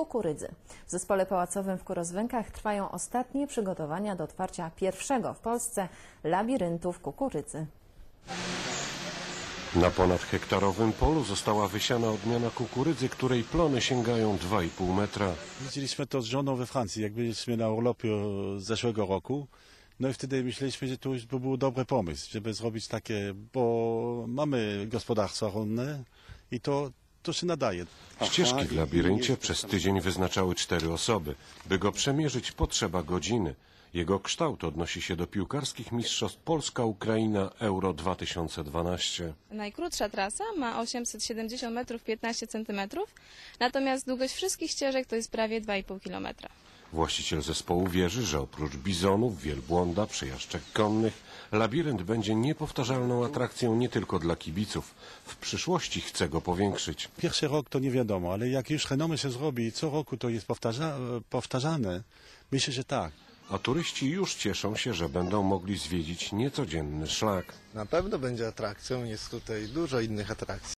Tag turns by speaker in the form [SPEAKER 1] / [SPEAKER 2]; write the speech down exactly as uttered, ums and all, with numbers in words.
[SPEAKER 1] kukurydzy. W Zespole Pałacowym w Kurozwękach trwają ostatnie przygotowania do otwarcia pierwszego w Polsce labiryntu w kukurydzy.
[SPEAKER 2] Na ponadhektarowym polu została wysiana odmiana kukurydzy, której plony sięgają dwa i pół metra.
[SPEAKER 3] Widzieliśmy to z żoną we Francji, jak byliśmy na urlopie z zeszłego roku. No i wtedy myśleliśmy, że to już by był dobry pomysł, żeby zrobić takie, bo mamy gospodarstwa rolne i to, to się nadaje.
[SPEAKER 2] Ścieżki w labiryncie przez tydzień wyznaczały cztery osoby. By go przemierzyć, potrzeba godziny. Jego kształt odnosi się do piłkarskich mistrzostw Polska-Ukraina Euro dwa tysiące dwanaście.
[SPEAKER 4] Najkrótsza trasa ma osiemset siedemdziesiąt metrów piętnaście centymetrów, natomiast długość wszystkich ścieżek to jest prawie dwa i pół kilometra.
[SPEAKER 2] Właściciel zespołu wierzy, że oprócz bizonów, wielbłąda, przejażdżek konnych, labirynt będzie niepowtarzalną atrakcją nie tylko dla kibiców. W przyszłości chce go powiększyć.
[SPEAKER 3] Pierwszy rok to nie wiadomo, ale jak już renomę się zrobi, co roku to jest powtarza, powtarzane, myślę, że tak.
[SPEAKER 2] A turyści już cieszą się, że będą mogli zwiedzić niecodzienny szlak.
[SPEAKER 5] Na pewno będzie atrakcją, jest tutaj dużo innych atrakcji.